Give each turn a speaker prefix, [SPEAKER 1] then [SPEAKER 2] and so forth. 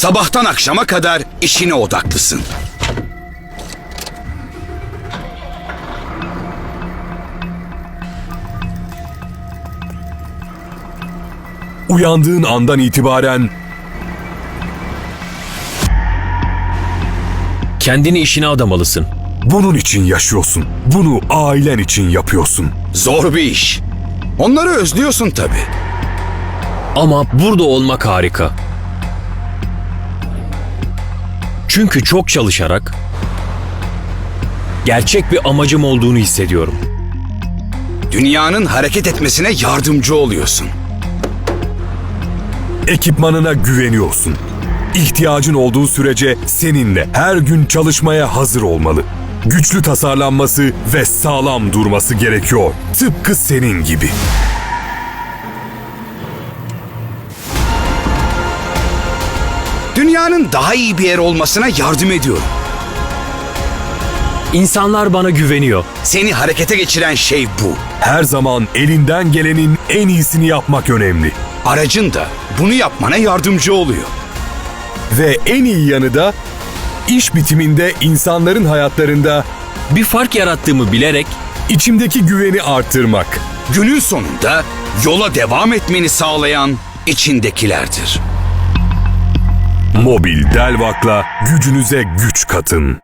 [SPEAKER 1] Sabahtan akşama kadar işine odaklısın.
[SPEAKER 2] Uyandığın andan itibaren
[SPEAKER 3] Kendini işine adamalısın.
[SPEAKER 2] bunun için yaşıyorsun. Bunu ailen için yapıyorsun.
[SPEAKER 1] Zor bir iş. Onları özlüyorsun tabii.
[SPEAKER 3] Ama burada olmak harika. Çünkü çok çalışarak gerçek bir amacım olduğunu hissediyorum.
[SPEAKER 1] Dünyanın hareket etmesine yardımcı oluyorsun.
[SPEAKER 2] Ekipmanına güveniyorsun. İhtiyacın olduğu sürece seninle her gün çalışmaya hazır olmalı. Güçlü tasarlanması ve sağlam durması gerekiyor. Tıpkı senin gibi.
[SPEAKER 1] Dünyanın daha iyi bir yer olmasına yardım ediyorum.
[SPEAKER 3] İnsanlar bana güveniyor.
[SPEAKER 1] Seni harekete geçiren şey bu.
[SPEAKER 2] Her zaman elinden gelenin en iyisini yapmak önemli.
[SPEAKER 1] Aracın da bunu yapmana yardımcı oluyor.
[SPEAKER 2] Ve en iyi yanı da iş bitiminde insanların hayatlarında
[SPEAKER 3] Bir fark yarattığımı bilerek
[SPEAKER 2] içimdeki güveni artırmak.
[SPEAKER 1] Günün sonunda yola devam etmeni sağlayan içindekilerdir.
[SPEAKER 2] Mobil Delvak'la gücünüze güç katın.